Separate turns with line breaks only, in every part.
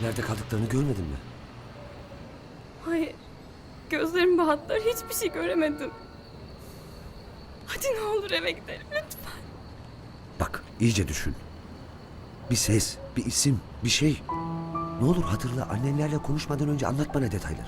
Nerede kaldıklarını görmedin mi?
Hayır. Gözlerim bahtlar, hiçbir şey göremedim. Hadi ne olur eve gidelim lütfen.
Bak iyice düşün. Bir ses, bir isim, bir şey. Ne olur hatırla, annenlerle konuşmadan önce anlat bana detayları.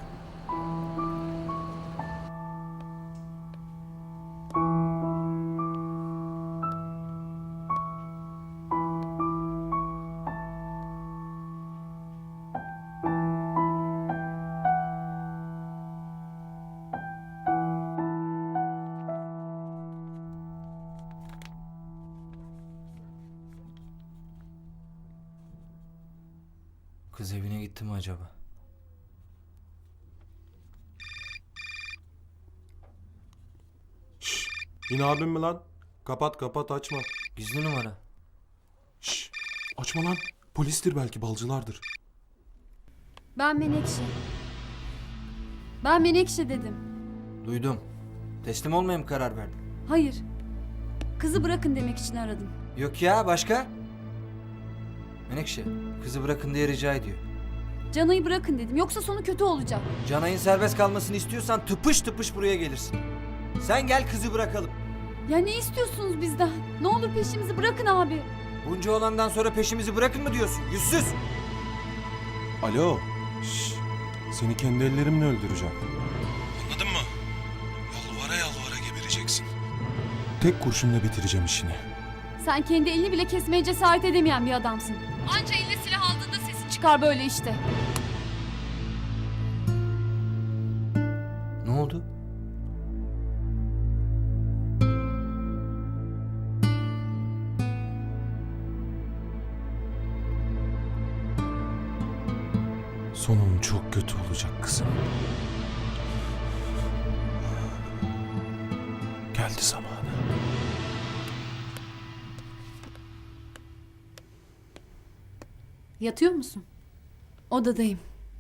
Kız evine gitti mi acaba?
Şşş. Yine abim mi lan? Kapat kapat açma.
Gizli numara.
Şşş. Açma lan. Polistir belki balcılardır.
Ben Menekşe. Ben Menekşe dedim.
Duydum. Teslim olmaya mı karar verdin?
Hayır. Kızı bırakın demek için aradım.
Yok ya, başka? Menekşe, kızı bırakın diye rica ediyor.
Canayı bırakın dedim. Yoksa sonu kötü olacak.
Canay'ın serbest kalmasını istiyorsan tıpış tıpış buraya gelirsin. Sen gel, kızı bırakalım.
Ya ne istiyorsunuz bizden? Ne olur peşimizi bırakın abi.
Bunca olandan sonra peşimizi bırakın mı diyorsun? Yüzsüz!
Alo. Şşş. Seni kendi ellerimle öldüreceğim. Anladın mı? Yalvara yalvara gebereceksin. Tek kurşunla bitireceğim işini.
Sen kendi elini bile kesmeye cesaret edemeyen bir adamsın. Anca eline silah aldığında sesin çıkar böyle işte.
Ne oldu?
Sonun çok kötü olacak kızım. Geldi zamanı.
Yatıyor musun? Odadayım.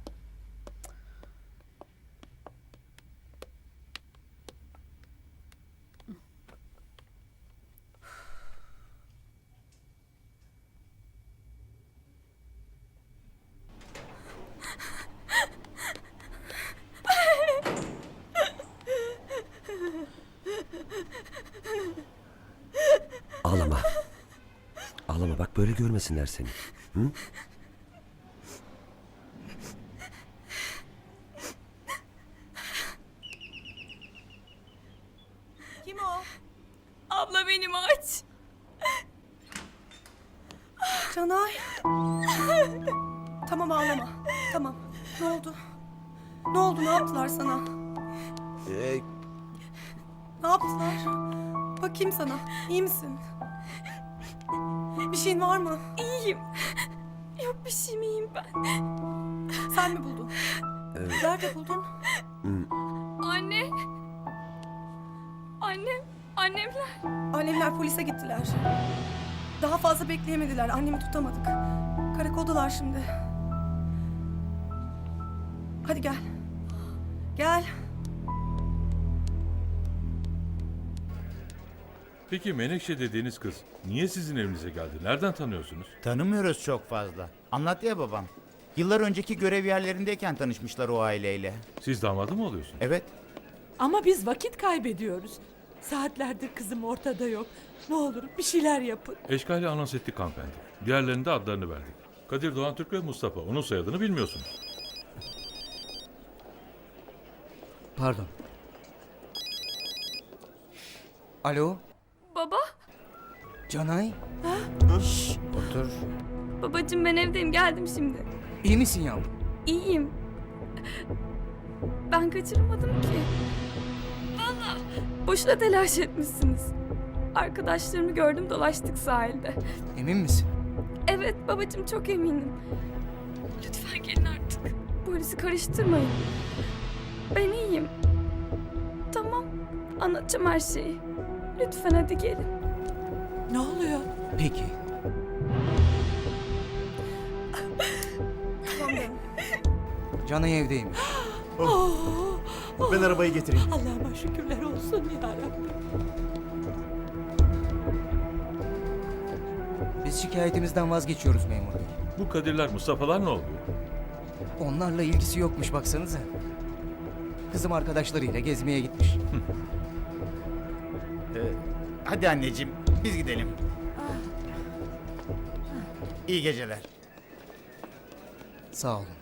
Ağlama. Ağlama, bak böyle görmesinler seni. Hı?
Kim o? Abla benim, aç.
Canay. Tamam ağlama. Tamam. Ne oldu? Ne oldu? Ne yaptılar sana? Ne yaptılar? Bakayım sana. İyi misin? Bir şeyin var mı?
İyiyim. Yok bir şeyim, iyiyim ben.
Sen mi buldun? Nerede buldun?
Anne. Annemler.
Annemler polise gittiler. Daha fazla bekleyemediler. Annemi tutamadık. Karakoldalar şimdi. Hadi gel. Gel.
Peki Menekşe dediğiniz kız niye sizin evinize geldi? Nereden tanıyorsunuz?
Tanımıyoruz çok fazla. Anlat ya babam. Yıllar önceki görev yerlerindeyken tanışmışlar o aileyle.
Siz damadı mı oluyorsunuz?
Evet.
Ama biz vakit kaybediyoruz. Saatlerdir kızım ortada yok. Ne olur bir şeyler yapın.
Eşkali anons ettik hanımefendi. Diğerlerinin de adlarını verdik. Kadir Doğan Türk ve Mustafa. Onun soyadını bilmiyorsunuz.
Pardon. Alo,
Baba.
Canay. Şşş, otur.
Babacığım ben evdeyim, geldim şimdi.
İyi misin yavrum?
İyiyim. Ben kaçırmadım ki. Vallahi boşuna telaş etmişsiniz. Arkadaşlarımı gördüm, dolaştık sahilde.
Emin misin?
Evet babacığım, çok eminim. Lütfen gelin artık. Polisi karıştırmayın. Ben iyiyim. Tamam, anlatacağım her şeyi. Lütfen hadi gelin.
Ne oluyor?
Peki.
Tamam canım.
Canay evdeymiş.
Ben arabayı getireyim.
Allah'ıma şükürler olsun ya Rabbi.
Biz şikayetimizden vazgeçiyoruz memur bey.
Bu Kadirler, Mustafa'lar ne oluyor?
Onlarla ilgisi yokmuş baksanıza. Kızım arkadaşlarıyla gezmeye gitmiş.
Hadi anneciğim biz gidelim. İyi geceler.
Sağ olun.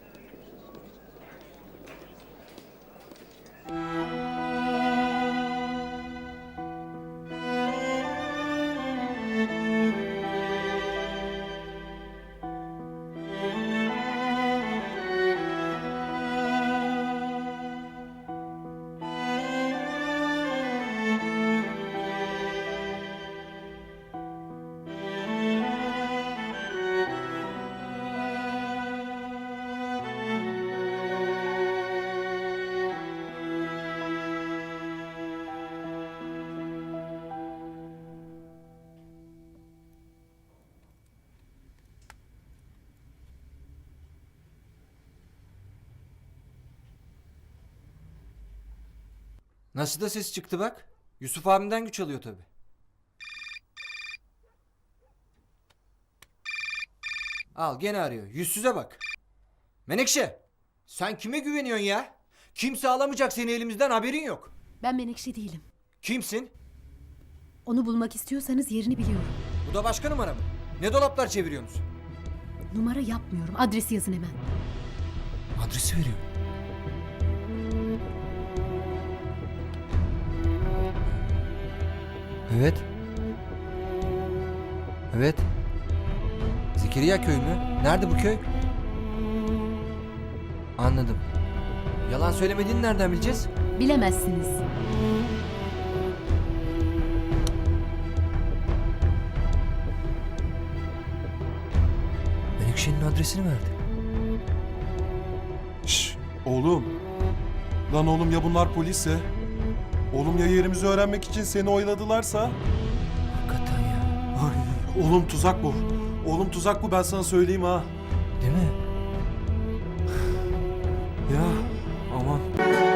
Nasıl da ses çıktı bak. Yusuf abimden güç alıyor tabii. Al gene arıyor. Yüzsüze bak. Menekşe, sen kime güveniyorsun ya? Kimse alamayacak seni elimizden, haberin yok.
Ben Menekşe değilim.
Kimsin?
Onu bulmak istiyorsanız yerini biliyorum.
Bu da başka numara mı? Ne dolaplar çeviriyorsunuz?
Numara yapmıyorum. Adresi yazın hemen.
Adresi veriyor. Evet. Evet. Zekeriya köy mü? Nerede bu köy? Anladım. Yalan söylemediğini nereden bileceğiz?
Bilemezsiniz.
Menekşe'nin adresini verdi.
Şş, oğlum. Lan oğlum ya bunlar polisse? Oğlum ya yerimizi öğrenmek için seni oyladılarsa?
Hakikaten ya.
Ay, oğlum tuzak bu. Oğlum tuzak bu, ben sana söyleyeyim ha.
Değil mi?
Ya aman.